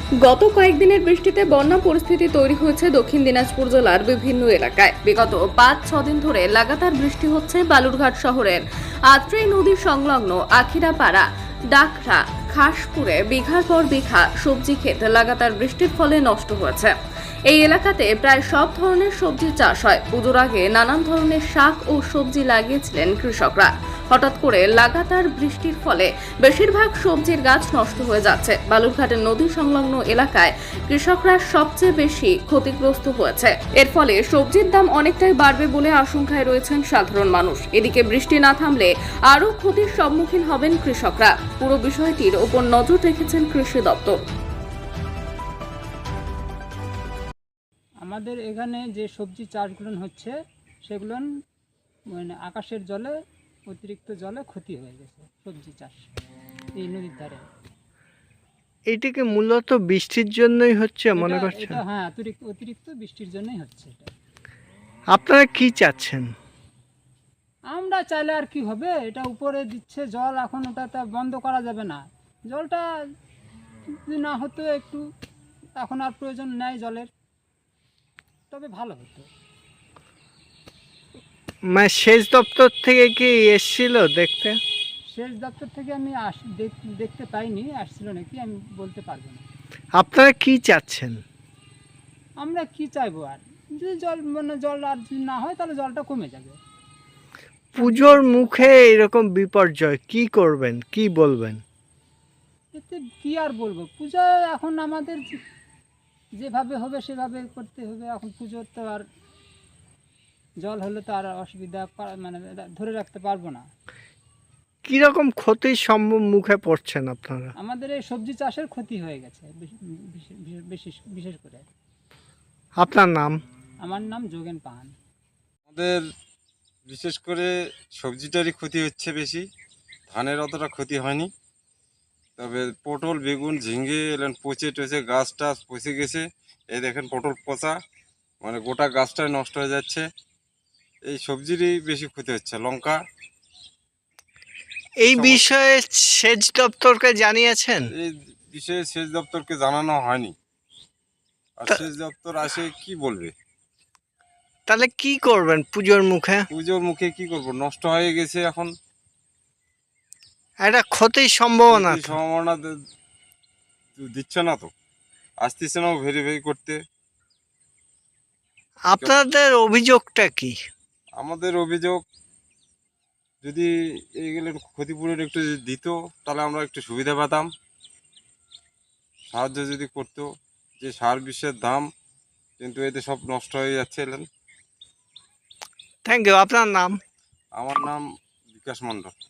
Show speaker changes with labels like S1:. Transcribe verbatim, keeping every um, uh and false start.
S1: গত কয়েকদিনের বৃষ্টিতে বন্যা পরিস্থিতি তৈরি হয়েছে দক্ষিণ দিনাজপুর জেলার বিভিন্ন এলাকায়। বিগত পাঁচ ছ দিন ধরে লাগাতার বৃষ্টি হচ্ছে বালুরঘাট শহরের আত্রেই নদী সংলগ্ন আখিরাপাড়া, ডাকরা, খাসপুরে বিঘার পর বিঘা সবজি ক্ষেত লাগাতার বৃষ্টির ফলে নষ্ট হয়েছে। এই এলাকাতে প্রায় সব ধরনের সবজি চাষ হয়। পুজোর আগে নানান ধরনের শাক ও সবজি লাগিয়েছিলেন কৃষকরা। হঠাৎ করে লাগাতার বৃষ্টির ফলে বেশিরভাগ সবজির গাছ নষ্ট হয়ে যাচ্ছে। বালুরঘাটের নদী সংলগ্ন এলাকায় কৃষকরা সবচেয়ে বেশি ক্ষতিগ্রস্ত হয়েছে। এর ফলে সবজির দাম অনেকটাই বাড়বে বলে আশঙ্কায় রয়েছেন সাধারণ মানুষ। এদিকে বৃষ্টি না থামলে আরও ক্ষতির সম্মুখীন হবেন কৃষকরা। পুরো বিষয়টির ওপর নজর রেখেছেন কৃষি দপ্তর।
S2: আমাদের এখানে যে সবজি চাষগুলো হচ্ছে সেগুলো মানে আকাশের জলে অতিরিক্ত জলে ক্ষতি হয়ে গেছে সবজি চাষ এই নদীর ধারে।
S3: এটাকে মূলত বৃষ্টির জন্যই হচ্ছে মনে
S2: এটা-
S3: করছেন?
S2: এটা হ্যাঁ অতিরিক্ত অতিরিক্ত বৃষ্টির জন্যই হচ্ছে এটা।
S3: আপনারা কি চাচ্ছেন?
S2: আমরা চাইলে আর কি হবে, এটা উপরে দিচ্ছে জল, এখন ওটা তা বন্ধ করা যাবে না। জলটা যদি না হতো একটু, এখন আর প্রয়োজন নেই জলের, তবে ভালো হতো।
S3: মানে সেচ দপ্তর থেকে কি এসেছিল দেখতে?
S2: সেচ দপ্তর থেকে আমি আস দেখ- দেখতে পাইনি, আসছিল নাকি আমি বলতে পারবো না।
S3: আপনারা কি চাচ্ছেন?
S2: আমরা কি চাইবো আর, যদি জল মানে জল আর যদি না হয় তাহলে জলটা কমে যাবে।
S3: পুজোর মুখে এরকম বিপর্যয় কি করবেন, কি বলবেন?
S2: এতে কি আর বলবো, পূজা এখন আমাদের যে- যেভাবে হবে সেভাবে করতে হবে। এখন পুজোর তো আর জল হলে তো আর অসুবিধা পা- মানে ধরে রাখতে পারবো না।
S3: কিরকম ক্ষতির সম্মুখে পড়ছেন আপনারা?
S2: আমাদের এই সবজি চাষের ক্ষতি হয়ে গেছে বেশ- বিশেষ- বিশেষ বিশেষ করে।
S3: আপনার নাম?
S2: আমার নাম যোগেন পাহান।
S4: আমাদের বিশেষ করে সবজিটারই ক্ষতি হচ্ছে বেশি, ধানের অতটা ক্ষতি হয়নি। তবে পটল, বেগুন, ঝিঙ্গে এলেন পচে টচে গাছ টাছ পচে গেছে। এই দেখেন পটল পচা, মানে গোটা গাছটাই নষ্ট হয়ে যাচ্ছে। এই সবজিরই বেশি ক্ষতি হচ্ছে। লঙ্কা,
S3: এই বিষয়ে সেচ দপ্তরকে জানিয়েছেন?
S4: এই বিষয়ে সেচ দপ্তরকে জানানো হয়নি। আর
S3: তা-
S4: সেচ দপ্তর আসে কি বলবে?
S3: তাহলে কি করবেন পুজোর মুখে?
S4: পুজোর মুখে কি করব, নষ্ট হয়ে গেছে এখন।
S3: একটা ক্ষতির সম্ভাবনা
S4: ক্ষতির
S3: তো।
S4: সম্ভাবনা দে- দিচ্ছে না তো, আসতেছে না ভেরিফাই করতে।
S3: আপনাদের অভিযোগটা কি?
S4: আমাদের অভিযোগ, যদি এইগুলোর ক্ষতিপূরণ একটু যদি দিত তাহলে আমরা একটু সুবিধা পেতাম, সাহায্য যদি করতো। যে সার বিষের দাম, কিন্তু এতে সব নষ্ট হয়ে যাচ্ছে। এলেন,
S3: থ্যাংক ইউ। আপনার নাম?
S4: আমার নাম বিকাশ মণ্ডল।